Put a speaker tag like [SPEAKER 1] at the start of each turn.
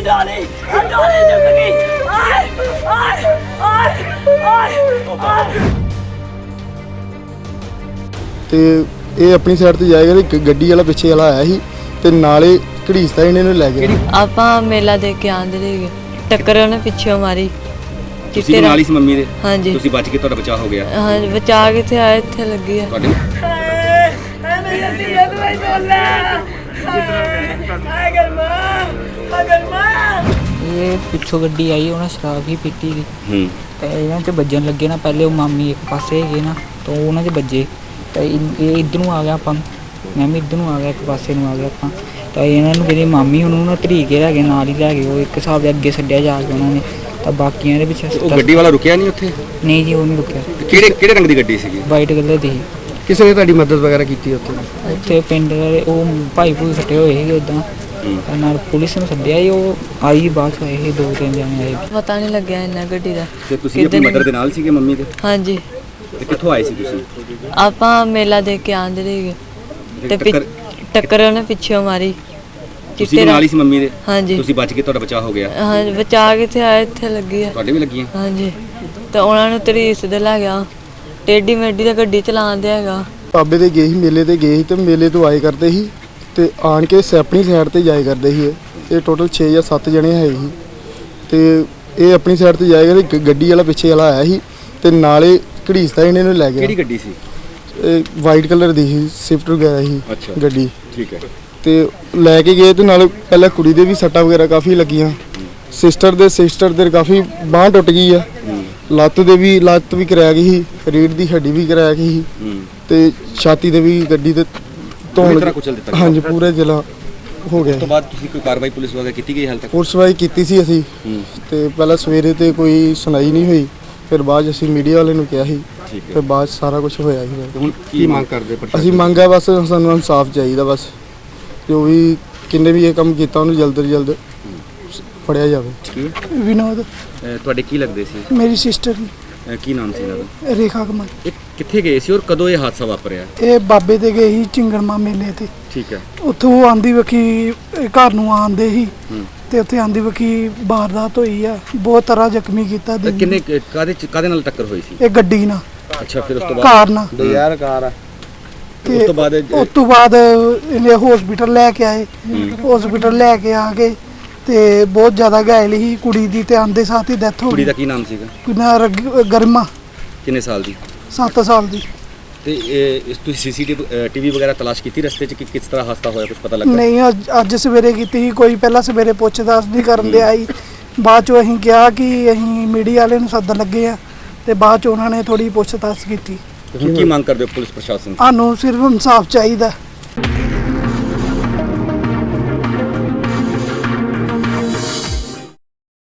[SPEAKER 1] डाली चुक गई। आए आए आए आए
[SPEAKER 2] ਤੇ ਇਹ ਆਪਣੀ ਸਾਈਡ ਤੇ ਜਾਏਗਾ ਤੇ ਗੱਡੀ ਵਾਲਾ ਪਿੱਛੇ ਵਾਲਾ ਆਇਆ ਸੀ ਤੇ ਨਾਲੇ ਘੜੀਸਦਾ ਇਹਨੇ ਨੂੰ ਲੈ ਗਿਆ।
[SPEAKER 3] ਆਪਾਂ ਮੇਲਾ ਦੇਖ ਕੇ ਆਂਦੇ ਰਹੇ, ਟੱਕਰ ਉਹਨੇ ਪਿੱਛੇ ਮਾਰੀ।
[SPEAKER 4] ਤੁਸੀਂ ਨਾਲ ਹੀ ਸੀ ਮੰਮੀ ਦੇ?
[SPEAKER 3] ਹਾਂਜੀ।
[SPEAKER 4] ਤੁਸੀਂ ਬਚ ਕੇ, ਤੁਹਾਡਾ ਬਚਾਅ ਹੋ ਗਿਆ?
[SPEAKER 3] ਹਾਂ, ਬਚਾ ਕਿੱਥੇ ਆਇਆ, ਇੱਥੇ ਲੱਗੀ ਆ।
[SPEAKER 4] ਤੁਹਾਡੇ
[SPEAKER 5] ਇਹ ਪਿੱਛੋਂ ਗੱਡੀ ਆਈ, ਉਹਨਾਂ ਸ਼ਰਾਬ ਹੀ ਪੀਤੀ ਸੀ ਤੇ ਇਹਨਾਂ 'ਚ ਵੱਜਣ ਲੱਗੇ ਨਾ। ਪਹਿਲੇ ਉਹ ਮਾਮੀ ਇੱਕ ਪਾਸੇ ਹੈਗੇ ਨਾ, ਤਾਂ ਉਹਨਾਂ 'ਚ ਵੱਜੇ ਤਾਂ ਇਹ ਇੱਧਰ ਨੂੰ ਆ ਗਿਆ। ਆਪਾਂ ਮੈਂ ਵੀ ਇੱਧਰ ਨੂੰ ਆ ਗਿਆ, ਇੱਕ ਪਾਸੇ ਨੂੰ ਆ ਗਿਆ ਆਪਾਂ। ਤਾਂ ਇਹਨਾਂ ਨੂੰ ਜਿਹੜੀ ਮਾਮੀ ਉਹਨੂੰ ਨਾ ਧਰੀ ਕੇ ਲੈ ਗਏ, ਨਾਲ ਹੀ ਲੈ ਗਏ। ਉਹ ਇੱਕ ਹਿਸਾਬ ਦੇ ਅੱਗੇ ਛੱਡਿਆ ਜਾ ਕੇ ਉਹਨਾਂ ਨੇ, ਤਾਂ ਬਾਕੀਆਂ ਦੇ ਪਿੱਛੇ।
[SPEAKER 4] ਉਹ ਗੱਡੀ ਵਾਲਾ ਰੁਕਿਆ ਨਹੀਂ ਉੱਥੇ?
[SPEAKER 5] ਨਹੀਂ ਜੀ, ਉਹ ਨਹੀਂ ਰੁਕਿਆ।
[SPEAKER 4] ਕਿਹੜੇ ਰੰਗ ਦੀ ਗੱਡੀ ਸੀਗੀ?
[SPEAKER 5] ਵਾਈਟ ਕਲਰ ਦੀ ਸੀ।
[SPEAKER 2] ਕਿਸੇ ਨੇ ਤੁਹਾਡੀ ਮਦਦ ਵਗੈਰਾ ਕੀਤੀ ਉੱਥੇ?
[SPEAKER 5] ਉੱਥੇ ਪਿੰਡ ਦੇ ਉਹ ਭਾਈ ਭੂਈ ਫੱਟੇ ਹੋਏ ਸੀਗੇ ਉੱਦਾਂ, ਨਾਲ ਪੁਲਿਸ ਨੂੰ ਸੱਦਿਆ ਸੀ। ਉਹ ਆਈ ਬਾਅਦ 'ਚ ਆਏ ਸੀ, 2-3 ਜਣੇ ਆਏ।
[SPEAKER 3] ਪਤਾ ਨਹੀਂ ਲੱਗਿਆ ਇੰਨਾ ਗੱਡੀ ਦਾ।
[SPEAKER 4] ਤੇ ਤੁਸੀਂ ਆਪਣੀ ਮਦਰ ਦੇ ਨਾਲ ਸੀਗੇ, ਮੰਮੀ ਦੇ?
[SPEAKER 3] ਹਾਂਜੀ।
[SPEAKER 4] ਤੇ ਕਿੱਥੋਂ ਆਏ ਸੀ ਤੁਸੀਂ?
[SPEAKER 3] ਆਪਾਂ ਮੇਲਾ ਦੇਖ ਕੇ ਆਂਦੇ ਰਹੇ ਤੇ ਟੱਕਰ ਉਹਨੇ ਪਿੱਛੇ ਮਾਰੀ।
[SPEAKER 4] ਤੁਸੀਂ ਨਾਲ ਹੀ ਸੀ ਮੰਮੀ ਦੇ?
[SPEAKER 3] ਹਾਂਜੀ।
[SPEAKER 4] ਤੁਸੀਂ ਬਚ ਕੇ, ਤੁਹਾਡਾ ਬਚਾਅ ਹੋ ਗਿਆ?
[SPEAKER 3] ਹਾਂ, ਬਚਾ ਕਿੱਥੇ ਆਇਆ, ਇੱਥੇ ਲੱਗੀ ਆ।
[SPEAKER 4] ਤੁਹਾਡੇ ਵੀ ਲੱਗੀਆਂ?
[SPEAKER 3] ਹਾਂਜੀ। ਤਾਂ ਉਹਨਾਂ ਨੂੰ ਤਰੀਸ ਦੇ ਲੈ ਗਿਆ, ਟੇਢੀ ਮੇਢੀ ਦਾ ਗੱਡੀ ਚਲਾਉਂਦੇ ਹੈਗਾ।
[SPEAKER 2] ਬਾਬੇ ਦੇ ਗਏ ਸੀ, ਮੇਲੇ ਤੇ ਗਏ ਸੀ ਤੇ ਮੇਲੇ ਤੋਂ ਆਏ ਕਰਦੇ ਸੀ ਤੇ ਆਣ ਕੇ ਆਪਣੀ ਸਾਈਡ ਤੇ ਜਾਏ ਕਰਦੇ ਸੀ। ਇਹ ਟੋਟਲ 6 ਜਾਂ 7 ਜਣੇ ਹੈ ਸੀ ਤੇ ਇਹ ਆਪਣੀ ਸਾਈਡ ਤੇ ਜਾਏਗਾ ਤੇ ਗੱਡੀ ਵਾਲਾ ਪਿੱਛੇ ਵਾਲਾ ਆਇਆ ਸੀ ਤੇ ਨਾਲੇ ਘੜੀਸਦਾ ਇਹਨੇ ਨੂੰ ਲੈ ਗਿਆ।
[SPEAKER 4] ਕਿਹੜੀ ਗੱਡੀ ਸੀ?
[SPEAKER 2] ਇਹ ਵਾਈਟ ਕਲਰ ਦੀ ਸੀ, ਸਵਿਫਟ ਵਗੈਰਾ ਸੀ ਗੱਡੀ।
[SPEAKER 4] ਠੀਕ ਹੈ।
[SPEAKER 2] ਤੇ ਲੈ ਕੇ ਗਏ ਤੇ ਨਾਲ ਪਹਿਲਾਂ ਕੁੜੀ ਦੇ ਵੀ ਸੱਟਾਂ ਵਗੈਰਾ ਕਾਫੀ ਲੱਗੀਆਂ। ਸਿਸਟਰ ਦੇ ਕਾਫੀ ਬਾਂਹ ਟੁੱਟ ਗਈ ਆ। ਲੱਤ ਵੀ ਕਰਾਇਆ ਗਈ ਸੀ, ਰੀੜ ਦੀ ਹੱਡੀ ਵੀ ਕਰਾਇਆ ਗਈ ਸੀ ਤੇ ਛਾਤੀ ਦੇ ਵੀ ਗੱਡੀ ਦੇ ਧੌਣ
[SPEAKER 4] ਕੁਚਲ ਦਿੱਤਾ।
[SPEAKER 2] ਹਾਂਜੀ, ਪੂਰੇ ਜ਼ਿਲ੍ਹਾ ਹੋ ਗਿਆ।
[SPEAKER 4] ਉਸ ਤੋਂ ਬਾਅਦ ਤੁਸੀਂ ਕੋਈ ਕਾਰਵਾਈ ਪੁਲਿਸ ਵਗੈਰਾ ਕੀਤੀ ਗਈ ਹਾਲ ਤੱਕ?
[SPEAKER 2] ਪੁਲਿਸ ਵਾਈ ਕੀਤੀ ਸੀ ਅਸੀਂ ਤੇ ਪਹਿਲਾਂ ਸਵੇਰੇ ਤੇ ਕੋਈ ਸੁਣਾਈ ਨਹੀਂ ਹੋਈ, ਫਿਰ ਬਾਅਦ ਅਸੀਂ ਮੀਡੀਆ ਵਾਲੇ ਨੂੰ ਕਿਹਾ ਸੀ ਤੇ ਬਾਅਦ ਸਾਰਾ ਕੁਝ ਹੋਇਆ ਸੀ।
[SPEAKER 4] ਹੁਣ ਕੀ ਮੰਗ ਕਰਦੇ?
[SPEAKER 2] ਅਸੀਂ ਮੰਗਿਆ ਬਸ ਸਾਨੂੰ ਇਨਸਾਫ ਚਾਹੀਦਾ। ਬਸ ਜੋ ਵੀ ਕਿੰਨੇ ਵੀ ਇਹ ਕੰਮ ਕੀਤਾ ਉਹਨੂੰ ਜਲਦ ਤੋਂ ਜਲਦ ਫੜਿਆ ਜਾਵੇ।
[SPEAKER 6] ਵਿਨੋਦ
[SPEAKER 4] ਤੁਹਾਡੇ ਕੀ ਲੱਗਦੇ ਸੀ?
[SPEAKER 6] ਮੇਰੀ ਸਿਸਟਰ
[SPEAKER 4] ਕੀ ਨਾਮ ਸੀ ਇਹਨਾਂ ਦਾ?
[SPEAKER 6] ਰੇਖਾ ਕਮਲ।
[SPEAKER 4] ਇਹ ਕਿੱਥੇ ਗਏ ਸੀ ਔਰ ਕਦੋਂ ਇਹ ਹਾਦਸਾ ਵਾਪਰਿਆ?
[SPEAKER 6] ਇਹ ਬਾਬੇ ਦੇ ਗਏ ਸੀ ਚਿੰਗੜਮਾ ਮੇਲੇ ਤੇ।
[SPEAKER 4] ਠੀਕ ਹੈ।
[SPEAKER 6] ਉੱਥੋਂ ਆਂਦੀ ਵਕੀ ਘਰ ਨੂੰ ਆਂਦੇ ਸੀ ਤੇ ਉੱਥੇ ਆਂਦੀ ਵਕੀ ਵਾਰਦਾਤ ਹੋਈ ਆ। ਬਹੁਤ ਤਰ੍ਹਾਂ ਜ਼ਖਮੀ ਕੀਤਾ।
[SPEAKER 4] ਕਿੰਨੇ ਕਾਦੇ ਨਾਲ ਟੱਕਰ ਹੋਈ ਸੀ?
[SPEAKER 6] ਇਹ ਗੱਡੀ ਨਾਲ।
[SPEAKER 4] ਅੱਛਾ, ਫਿਰ ਉਸ ਤੋਂ ਬਾਅਦ?
[SPEAKER 6] ਕਾਰ ਨਾਲ।
[SPEAKER 2] ਯਾਰ ਕਾਰ ਆ।
[SPEAKER 6] ਤੇ
[SPEAKER 4] ਉਸ
[SPEAKER 6] ਤੋਂ ਬਾਅਦ ਇਹਨੇ ਹਸਪੀਟਲ ਲੈ ਕੇ ਆਏ। ਹਸਪੀਟਲ ਲੈ ਕੇ ਆ ਕੇ ਤੇ ਬਹੁਤ ਜ਼ਿਆਦਾ ਘਾਇਲ ਸੀ ਕੁੜੀ ਦੀ, ਤੇ ਆਂਦੇ ਸਾਥ ਹੀ ਡੈਥ ਹੋ ਗਈ।
[SPEAKER 4] ਕੁੜੀ ਦਾ ਕੀ ਨਾਮ ਸੀਗਾ?
[SPEAKER 6] ਗਰਮਾ।
[SPEAKER 4] ਕਿੰਨੇ ਸਾਲ ਦੀ?
[SPEAKER 6] 7 ਸਾਲ ਦੀ।
[SPEAKER 4] ਤੇ ਇਸ ਤੁਸੀਂ ਸੀਸੀਟੀਵੀ ਵਗੈਰਾ ਤਲਾਸ਼ ਕੀਤੀ ਰਸਤੇ 'ਚ ਕਿ ਕਿਸ ਤਰ੍ਹਾਂ ਹਾਦਸਾ ਹੋਇਆ, ਕੁਝ ਪਤਾ ਲੱਗਾ?
[SPEAKER 6] ਨਹੀਂ, ਅੱਜ ਸਵੇਰੇ ਕੀਤੀ ਸੀ। ਕੋਈ ਪਹਿਲਾਂ ਸਵੇਰੇ ਪੁੱਛ-ਦੱਸ ਨਹੀਂ ਕਰਨ ਦੇ ਆਈ। ਬਾਅਦ 'ਚੋਂ ਅਸੀਂ ਕਿਹਾ ਕਿ ਅਸੀਂ ਮੀਡੀਆ ਵਾਲੇ ਨੂੰ ਸੱਦਣ ਲੱਗੇ ਆ ਤੇ ਬਾਅਦ 'ਚ ਉਹਨਾਂ ਨੇ ਥੋੜੀ ਪੁੱਛ-ਦੱਸ ਕੀਤੀ।
[SPEAKER 4] ਹੁਣ ਕੀ ਮੰਗ ਕਰਦੇ ਹੋ ਪੁਲਿਸ ਪ੍ਰਸ਼ਾਸਨ?
[SPEAKER 6] ਸਾਨੂੰ ਸਿਰਫ ਇਨਸਾਫ ਚਾਹੀਦਾ।